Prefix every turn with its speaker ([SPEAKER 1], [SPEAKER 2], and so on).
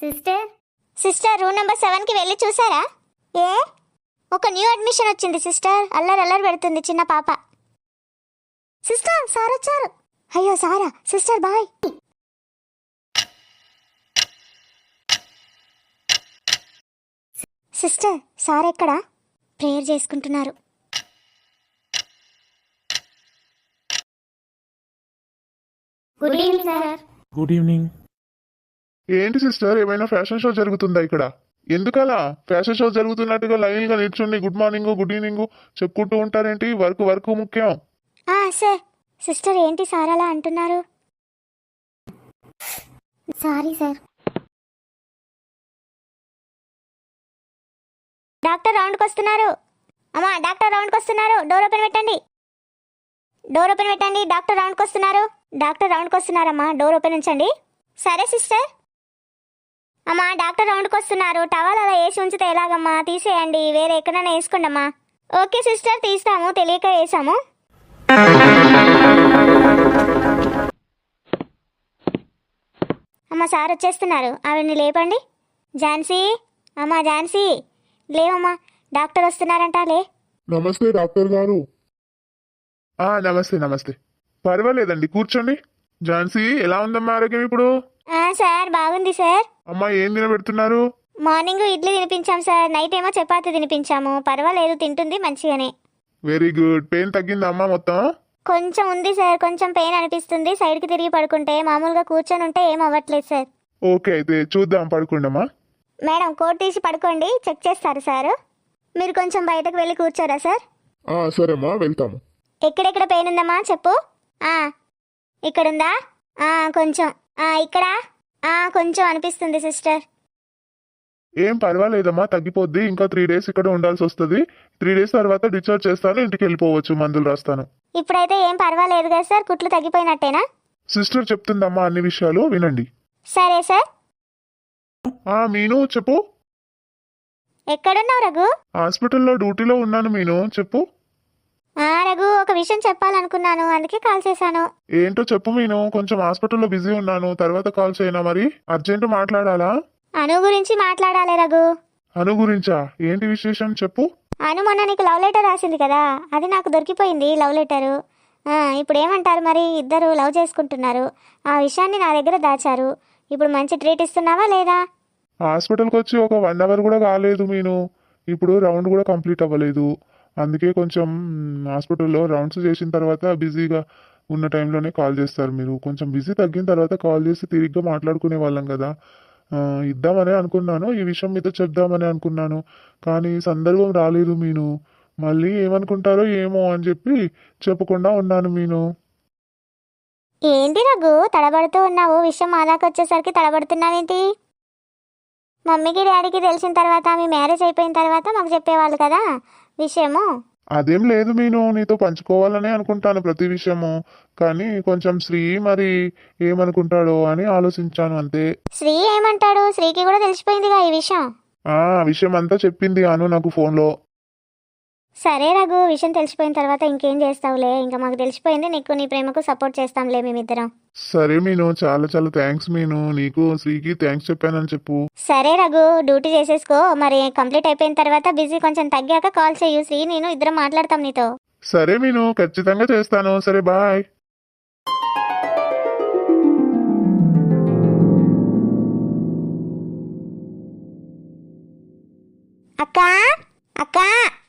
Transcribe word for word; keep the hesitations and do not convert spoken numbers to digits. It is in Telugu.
[SPEAKER 1] Sister sister room number seven కి వెళ్ళి చూసారా? ఏ ఒక న్యూ అడ్మిషన్ వచ్చింది సిస్టర్. అల్లరి అల్లరి పెడుతుంది చిన్న పాప. సిస్టర్ సార్ వచ్చారు. అయ్యో సారా. Sister bye. సిస్టర్ సార్ ఎక్కడా? ప్రేయర్ చేసుకుంటున్నారు. Good evening sir.
[SPEAKER 2] Good evening.
[SPEAKER 3] ఏంటి సిస్టర్, ఏమైనా ఫ్యాషన్ షో జరుగుతుందా ఇక్కడ? ఎందుకలా ఫ్యాషన్ షో జరుగుతున్నట్టుగా లైన్ గా నిల్చుండి గుడ్ మార్నింగ్ గుడ్ ఈవినింగ్ చెప్పుకుంటూ ఉంటారేంటి? వర్క్ వర్క్ ముఖ్యం.
[SPEAKER 1] ఆ సార్. సిస్టర్ ఏంటి సార్ అలా అంటున్నారు? Sorry sir. డాక్టర్ రౌండ్కి వస్తున్నారు. అమ్మా డాక్టర్ రౌండ్కి వస్తున్నారు. డోర్ ఓపెన్ పెట్టండి. డోర్ ఓపెన్ పెట్టండి. డాక్టర్ రౌండ్కి వస్తున్నారు. డాక్టర్ రౌండ్కి వస్తున్నారమ్మా. డోర్ ఓపెన్ ఉంచండి. సరే సిస్టర్. అమ్మా డాక్టర్ రౌండ్కి వస్తున్నారు. టవల్ అలా వేసి ఉంచితే ఎలాగమ్మా? తీసేయండి. వేరే ఎక్కడైనా వేసుకోండి అమ్మా. ఓకే సిస్టర్ తీస్తాము. తెలియక వేసాము. అమ్మ సార్ వచ్చేస్తున్నారు. ఆవిడ్ని లేపండి. ఝాన్సీ అమ్మా ఝాన్సీ లేవమ్మా. డాక్టర్ వస్తున్నారంట. లే.
[SPEAKER 3] నమస్తే డాక్టర్ గారు. ఆ నమస్తే నమస్తే. పర్వాలేదండి కూర్చోండి. ఝాన్సీ ఎలా ఉందమ్మా ఆరోగ్యం ఇప్పుడు?
[SPEAKER 1] సార్ బాగుంది సార్.
[SPEAKER 3] అమ్మా ఏం తినబెడుతున్నారు?
[SPEAKER 1] మార్నింగ్ ఇడ్లీ తినిపించాం సార్. నైట్ ఏమో చపాతి తినిపించాము. పర్వాలేదు తింటుంది మంచిగానే.
[SPEAKER 3] Very good. పెయిన్ తగ్గిందా అమ్మా మొత్తం?
[SPEAKER 1] కొంచెం ఉంది సార్. కొంచెం పెయిన్ అనిపిస్తుంది. సైడ్కి తిరిగి పడుకుంటే. మామూలుగా కూర్చొని ఉంటే ఏం అవ్వట్లేదు సార్.
[SPEAKER 3] ఓకే అయితే చూద్దాం, పడుకోండమ్మా.
[SPEAKER 1] మేడం కోట్ తీసి పడుకోండి. చెక్ చేస్తారు సార్. మీరు కొంచెం బయటకు వెళ్ళి కూర్చోరా సార్?
[SPEAKER 3] సరేమ్మా వెళ్తాము.
[SPEAKER 1] ఎక్కడెక్కడ పెయిన్ ఉందమ్మా చెప్పు. ఇక్కడుందా? కొంచెం. ఇక్కడ కొంచెం అనిపిస్తుంది సిస్టర్.
[SPEAKER 3] ఏం పర్వాలేదమ్మా, తగ్గిపోద్ది. ఇంకా త్రీ డేస్ ఇక్కడ ఉండాల్సి వస్తుంది. త్రీ డేస్ తర్వాత డిశ్చార్జ్ చేస్తాను, ఇంటికి వెళ్ళిపోవచ్చు. మందులు రాస్తాను.
[SPEAKER 1] ఇప్పుడైతే ఏం పర్వాలేదు కదా సార్? కుట్లు తగ్గిపోయినట్టేనా?
[SPEAKER 3] సిస్టర్ చెప్తుందమ్మా అన్ని విషయాలు వినండి.
[SPEAKER 1] సరే సార్.
[SPEAKER 3] మీను చెప్పు.
[SPEAKER 1] ఎక్కడున్నావు రఘు?
[SPEAKER 3] హాస్పిటల్లో డ్యూటీలో ఉన్నాను మీను. చెప్పు.
[SPEAKER 1] రఘు ఒక విషయం చెప్పాలనుకున్నాను, అందుకే కాల్ చేశాను.
[SPEAKER 3] ఏంటో చెప్పు మీను. కొంచెం హాస్పిటల్లో బిజీ ఉన్నాను, తర్వాత కాల్ చేయనా? మరి అర్జెంట్ మాట్లాడాలా?
[SPEAKER 1] అను గురించి మాట్లాడాలి రఘు.
[SPEAKER 3] అను గురించా? ఏంటి విశేషం చెప్పు.
[SPEAKER 1] అను మొన్న నీకు లవ్ లెటర్ రాసింది కదా, అది నాకు దొరికిపోయింది లవ్ లెటరు. ఇప్పుడు ఏమంటారు మరి? ఇద్దరు లవ్ చేసుకుంటున్నారు. ఆ విషయాన్ని నా దగ్గర దాచారు. ఇప్పుడు మంచి ట్రీట్ ఇస్తున్నావా లేదా?
[SPEAKER 3] హాస్పిటల్కి వచ్చి ఒక వన్ అవర్ కూడా కాలేదు మీను. ఇప్పుడు రౌండ్ కూడా కంప్లీట్ అవ్వలేదు. అందుకే కొంచెం హాస్పిటల్లో రౌండ్స్ చేసిన తర్వాత బిజీగా ఉన్న టైంలోనే కాల్ చేస్తారు మీరు. కొంచెం బిజీ తగ్గిన తర్వాత కాల్ చేసి తిరిగ్గా మాట్లాడుకునే వాళ్ళం కదా. ఇద్దామని అనుకున్నాను, ఈ విషయం మీతో చెప్దామని అనుకున్నాను, కానీ సందర్భం రాలేదు మీను. మళ్ళీ ఏమనుకుంటారో ఏమో అని చెప్పి చెప్పకుండా ఉన్నాను మీను.
[SPEAKER 1] ఏంటి రఘు తడబడుతూ ఉన్నావు? విషయం మా దాకా వచ్చేసరికి తడబడుతున్నావేంటి? మమ్మీకి డాడీకి తెలిసిన తర్వాత, మీ మ్యారేజ్ అయిపోయిన తర్వాత మాకు చెప్పేవాళ్ళు కదా విషయము.
[SPEAKER 3] అదేం లేదు మీను, నీతో పంచుకోవాలనే అనుకుంటాను ప్రతి విషయము. కానీ కొంచెం శ్రీ మరి ఏమనుకుంటాడో అని ఆలోచించాను అంతే.
[SPEAKER 1] శ్రీ ఏమంటాడు? శ్రీకి కూడా తెలిసిపోయిందిగా ఈ విషయం.
[SPEAKER 3] ఆ విషయం అంతా చెప్పింది అను నాకు ఫోన్లో.
[SPEAKER 1] సరే రఘు, విషయం తెలిసిపోయిన తర్వాత ఇంకేం చేస్తావులే. ఇంకా మాకు తెలిసిపోయింది. నీకు నీ ప్రేమకు సపోర్ట్ చేస్తాంలే మేమిద్దరం.
[SPEAKER 3] సరే మీను, చాలా చాలా థ్యాంక్స్ మీను. నీకు శ్రీకి థ్యాంక్స్ చెప్పానని చెప్పు.
[SPEAKER 1] సరే రఘు, డ్యూటీ చేసేసుకో. మరి కంప్లీట్ అయిపోయిన తర్వాత బిజీ కొంచెం తగ్గాక కాల్ చేయు. శ్రీ నేను ఇద్దరం మాట్లాడతాం నీతో.
[SPEAKER 3] సరే మీను, ఖచ్చితంగా చేస్తాను. సరే బాయ్.
[SPEAKER 1] అక్కా అక్కా